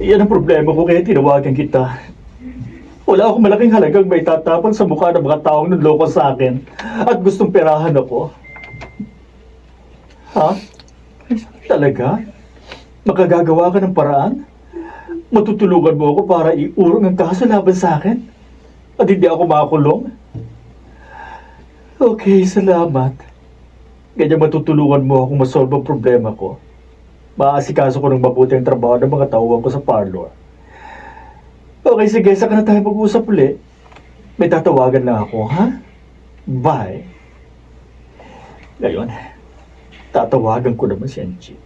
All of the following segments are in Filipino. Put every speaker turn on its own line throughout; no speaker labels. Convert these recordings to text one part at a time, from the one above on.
Yan ang problema ko kaya tinawagan kita. Wala akong malaking halagang may tatapon sa mukha ng mga taong nunloko sa akin at gustong perahan ako. Ha? Talaga? Makagagawa ka ng paraan? Matutulungan mo ako para iurong ang kaso laban sa akin? At hindi ako makakulong? Okay, salamat. Ganyan matutulungan mo akong masolve ang problema ko. Maasikaso ko ng mabuti ang trabaho ng mga tauhan ko sa parlor. Okay, sige. Saka na tayo mag-usap ulit. May tatawagan lang ako, ha? Bye. Ngayon, tatawagan ko naman si Anjit.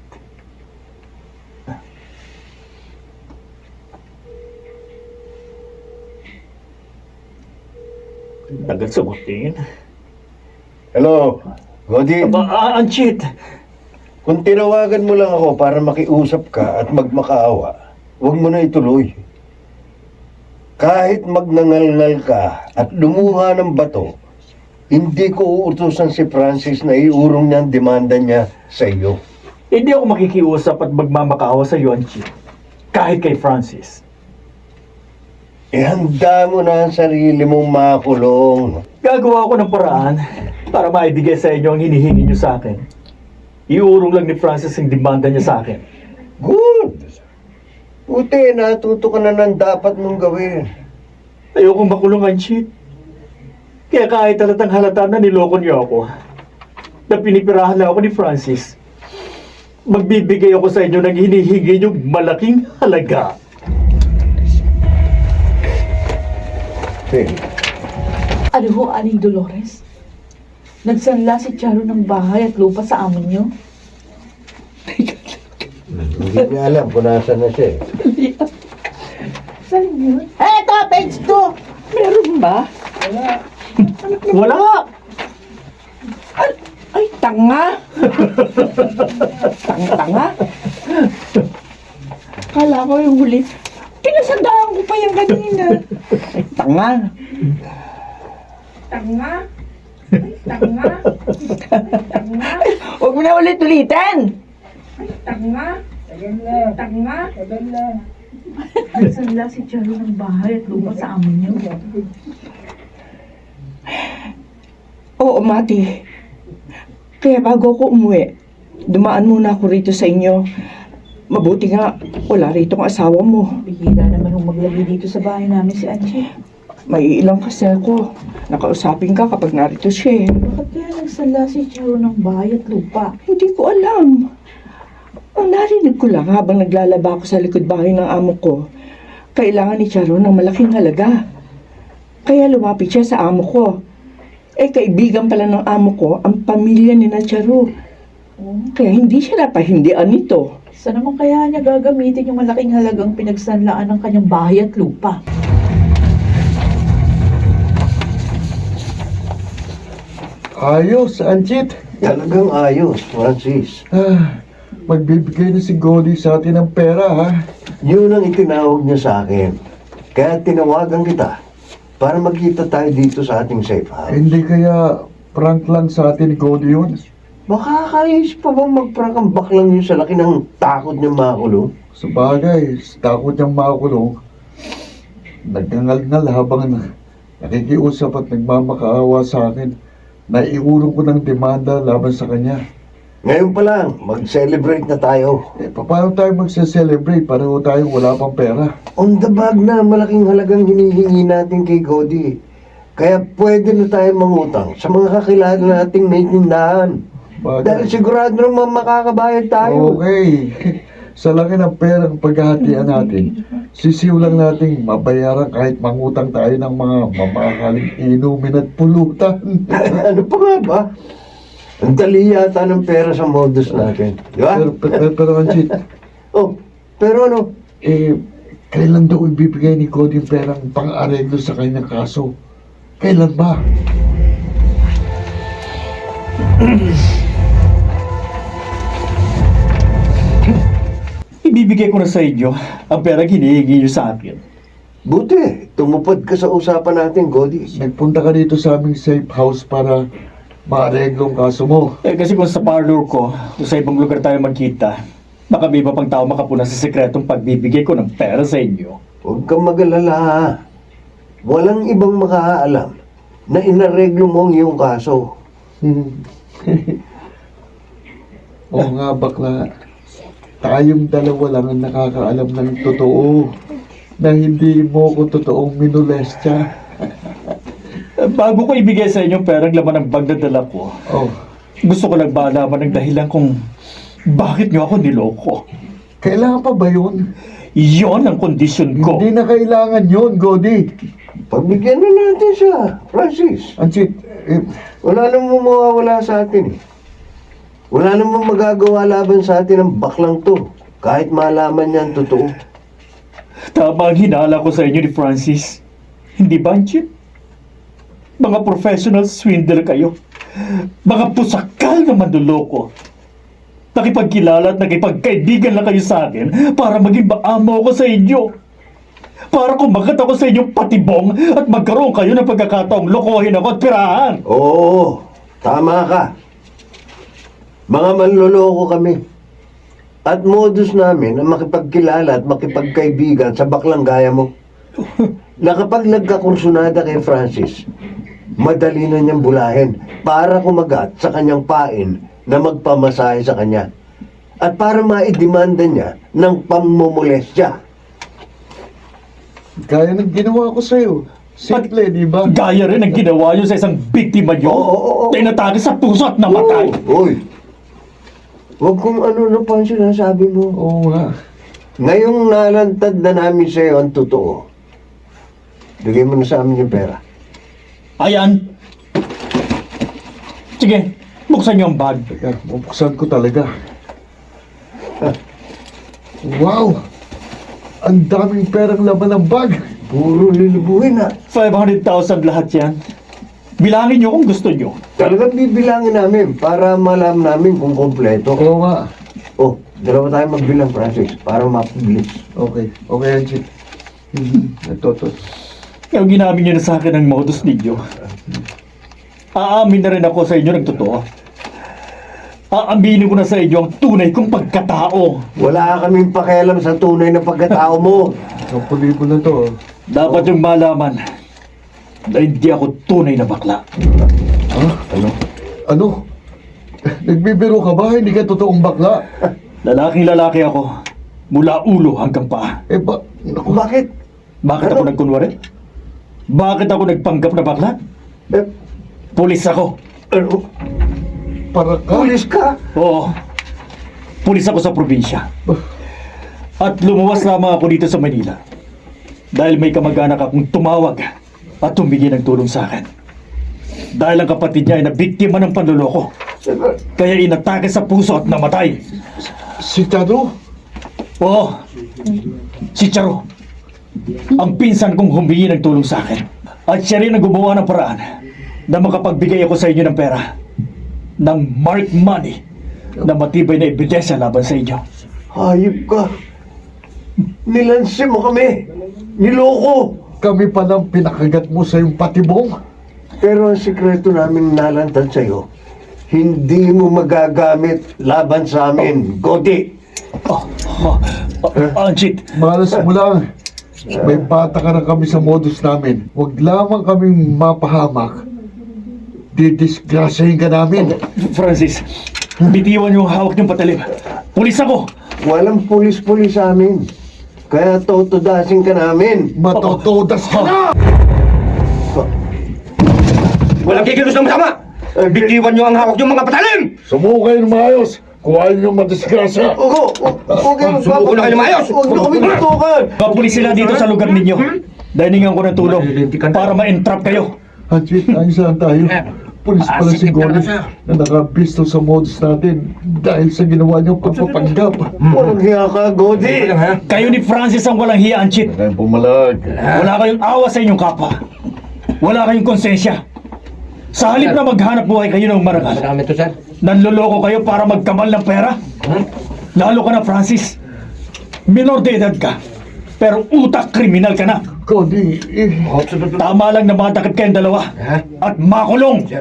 Agad sagutin.
Hello, Godi.
Anjit!
Kung tinawagan mo lang ako para makiusap ka at magmakaawa, huwag mo na ituloy. Kahit magnangalngal ka at lumuha ng bato, hindi ko uutusan si Francis na iurong niya ang demanda niya sa iyo.
Hindi ako makikiusap at magmamakaawa sa iyo, Anjit. Kahit kay Francis.
Ihanda mo na ang sarili mong makulong.
Gagawa ko ng paraan para maibigay sa inyo ang hinihingi niyo sa akin. Iurong lang ni Francis ang demanda niya sa akin.
Good! Buti, natuto ka na ng dapat mong gawin.
Ayokong makulong, Anjit. Kaya kahit halatang halata na niloko niyo ako, na pinipirahan lang ako ni Francis, magbibigay ako sa inyo ng hinihingi niyong malaking halaga.
Hey.
Ano ho, Aling Dolores? Nagsanla si Charo ng bahay at lupa sa amo niyo?
Hindi niya alam kung nasan na siya.
Saan yun?
Eto, page 2!
Meron ba?
Wala!
Ay, tanga! Tanga-tanga? Kala ko yung huli. Pinasandaan ko pa yung kanina. Ay, tanga! Tanga? Ay, tanga? Tanga? Huwag mo na ulit-ulitin!
Tanga? Tanga? Nagsanla si Charo ng bahay at lupa sa amo niyo?
Oo, Mati. Kaya bago ako umuwi, dumaan muna ako rito sa inyo. Mabuti nga, wala rito ang asawa mo.
Bihira naman hong maglagi dito sa bahay namin si Anjit.
May ilang kasi ako. Nakausapin ka kapag narito siya.
Bakit kaya nagsanla si Charo ng bahay at lupa?
Hindi ko alam. Ang narinig ko lang habang naglalaba ako sa likod bahay ng amo ko, kailangan ni Charo ng malaking halaga. Kaya lumapit siya sa amo ko. Kaibigan pala ng amo ko ang pamilya ni na Charo. Kaya hindi siya napahindian nito.
Saan naman kaya niya gagamitin yung malaking halagang pinagsanlaan ng kanyang bahay at lupa?
Ayos, Anjit.
Talagang ayos, Francis.
Magbibigay na si Godi sa atin ng pera, ha?
Yun ang itinawag niya sa akin. Kaya tinawagan kita para magkita tayo dito sa ating safe house.
Hindi kaya prank lang sa atin ni Godi yun?
Makakayos pa bang mag-prank ang baklang yun sa laki ng takot niya makulong?
Sa bagay, sa takot niyang makulong, nagngangal-ngal habang nakikiusap at nagmamakaawa sa akin na iurong ko ng demanda laban sa kanya.
Ngayon pa lang, mag-celebrate na tayo.
Paano tayo magse-celebrate? Pareho tayo wala pang pera.
On the bag na malaking halagang hinihingi natin kay Godi. Kaya pwede na tayo mangutang sa mga kakilala nating may tindahan. Dahil sigurado naman makakabayad tayo.
Okay. Sa laki ng perang paghahatian natin, sisiulang nating mabayaran kahit mangutang tayo ng mga mamahaling inumin at pulutan.
Ano pa nga ba? Ang dali yata ng pera sa modus natin. Di ba?
Pero Anjit,
Oh, pero ano?
kailan daw ibibigay ni Cody yung perang pang-areglo sa kanyang kaso? Kailan ba?
Ibibigay ko na sa inyo ang pera hinihingi niyo sa akin.
Buti, tumupad ka sa usapan natin, Godi.
Nagpunta ka dito sa aming safe house para maareglo ang kaso mo.
Kasi kung sa parlor ko, kung sa ibang lugar tayo magkita, Baka may iba pang tao makapuna sa sekretong pagbibigay ko ng pera sa inyo.
Huwag kang mag-alala. Walang ibang makakaalam na inareglo mo ang iyong kaso.
Oo nga, bakla. Tayong dalawa lang ang nakakaalam ng totoo na hindi mo ko totoong minolestya.
Bago ko ibigay sa inyo ang perang laman ng bag na dala ko,
Oh,
gusto ko lang malaman ng dahilan kung bakit nyo ako niloko.
kailangan pa ba yun?
Yon ang kondisyon ko.
Hindi na kailangan yun, Godi.
Pagbigyan na natin siya, Francis.
Ansit,
Wala namang mawawala sa atin eh. Wala namang magagawa laban sa atin ang baklang to. Kahit malaman niya ang totoo.
Tama ang hinala ko sa inyo ni Francis. Hindi ba, Anchit? Mga professional swindler kayo. Mga pusakal na manduloko. Nakipagkilala at nakipagkaibigan lang kayo sa akin para maging maamo ako sa inyo. Para kumagat ako sa inyong patibong at magkaroon kayo ng pagkakataong lokohin ako at pirahan.
Oo, tama ka. Mga manloloko kami. At modus namin ang makipagkilala at makipagkaibigan sa baklang gaya mo. Na kapag nagkakursunada kay Francis, madali na niyang bulahin para kumagat sa kanyang pain na magpamasahe sa kanya. At para maidemanda niya ng pamumulestya.
gaya ng ginawa ko sa'yo. Simple, di ba?
Gaya rin ang ginawa nyo sa isang biktima nyo
Oo.
na inatake sa puso at namatay.
Uy! Huwag kung ano na pa ang sinasabi mo.
Oo nga.
Ngayong nalantad na namin sa iyo ang totoo, bigay mo na sa amin yung pera.
Ayan. Sige, buksan nyo ang bag.
Teka, bubuksan ko talaga. Wow! Ang daming perang laman ng bag.
Puro lilibuhin na.
500,000 lahat yan. Bilangin nyo kung gusto nyo.
Talagang bibilangin namin para malam namin kung kompleto.
Oo nga.
Oh, dalawa tayo magbilang, Francis, para mapabilis.
Okay. Okay, Anchit. Ito.
Kaya ginamit nyo na sa akin ang modus ninyo. Aamin na rin ako sa inyo ng totoo. Aaminin ko na sa inyo ang tunay kong pagkatao.
Wala kaming pakialam sa tunay na pagkatao mo.
Ang pulibo na to.
Dapat yung malaman na hindi ako tunay na bakla.
Ha? Ano? Nagbibiro ka ba? Hindi ka totoong bakla?
Lalaking lalaki ako. Mula ulo hanggang paa.
Naku,
Bakit?
Bakit ako nagkunwari? Bakit ako nagpanggap na bakla?
Eh,
Pulis ako.
ano?
para ka?
Pulis ka?
Oo. Pulis ako sa probinsya. At lumuwas lamang ako dito sa Manila. Dahil may kamag-anak akong tumawag at tumigil ng tulong sa akin. Dahil ang kapatid niya ay nabiktima ng panloloko. Kaya inatake sa puso at namatay.
Si Tado?
Oo. Si Charo. Ang pinsan kong humingi ng tulong sa akin. At siya rin ang gumawa ng paraan na makapagbigay ako sa inyo ng pera. Ng marked money na matibay na ebidensya laban sa inyo.
Hayop ka. Nilansi mo kami. Niloko.
Kami pa nang pinakagat mo sa yung patibong?
Pero ang sikreto namin nalantad sa'yo, hindi mo magagamit laban sa amin, Godi.
Anjit,
Malas mo lang. May bata ka na kami sa modus namin. Huwag lamang kaming mapahamak. Didisgrasyahin ka namin.
Francis, bitiwan yung hawak niyong patalim. Pulis ako!
Walang pulis-pulis sa amin. Kaya totodasin ka namin.
Matotodas ka na!
Walang kikilos ng masama! Bitiwan nyo ang hawak nyo mga patalim!
Sumuko kayo ng maayos kung ayaw nyo madisgrasya.
Huwag kayo
Sumuko na kayo ng maayos!
Huwag niyo kami tutukan.
Mga pulis sila dito sa lugar ninyo. Dahilingan ko ng tulong para ma-entrap kayo.
Anjit, ayos saan tayo? Pulis pala si Gordon na nakabisto sa modus natin dahil sa ginawa niyong pagpapanggap.
Walang hiya ka, Godi.
Kayo ni Francis ang walang hiya, Anjit.
Kaya pumalag.
Wala kayong awa sa inyong kapwa. Wala kayong konsensya. Sa halip na maghanap buhay kayo ng marangal,
Marami to, sir.
nanloloko kayo para magkamal ng pera. Lalo ka na, Francis. Minor de edad ka, pero utak kriminal ka na.
Cody,
Tama lang na matakip kayong dalawa at makulong.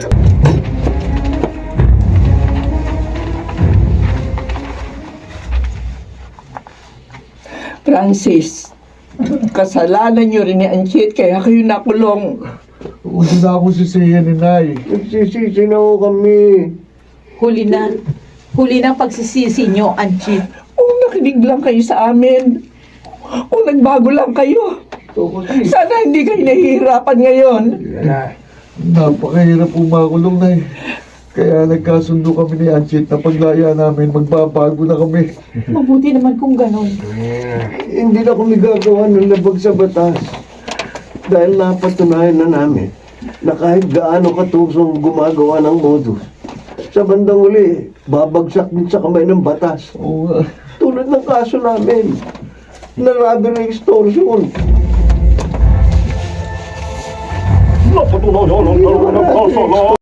Francis, kasalanan niyo rin ni Anchit kaya kayo nakulong.
Huwag na ako sisihin ni Nay.
Nagsisisi na ho kami.
Huli na. Huli na ang pagsisisi nyo, Anchit.
Kung nakinig lang kayo sa amin, kung nagbago lang kayo, sana hindi kayo nahihirapan ngayon.
Napakahirap umakulong, Nay. Kaya nagkasundo kami ni Anchit na paglaya namin, magbabago na kami.
Mabuti naman kung ganon.
Hindi na kami gagawa ng labag sa batas. Dahil napatunayan na namin na kahit gaano katusong gumagawa ng modus, sa bandang uli, babagsak din sa kamay ng batas.
Oo nga.
Tulad ng kaso namin, na robbery extortion.
Napatunayan ang
Hindi naman
ng
natin
kasalanan.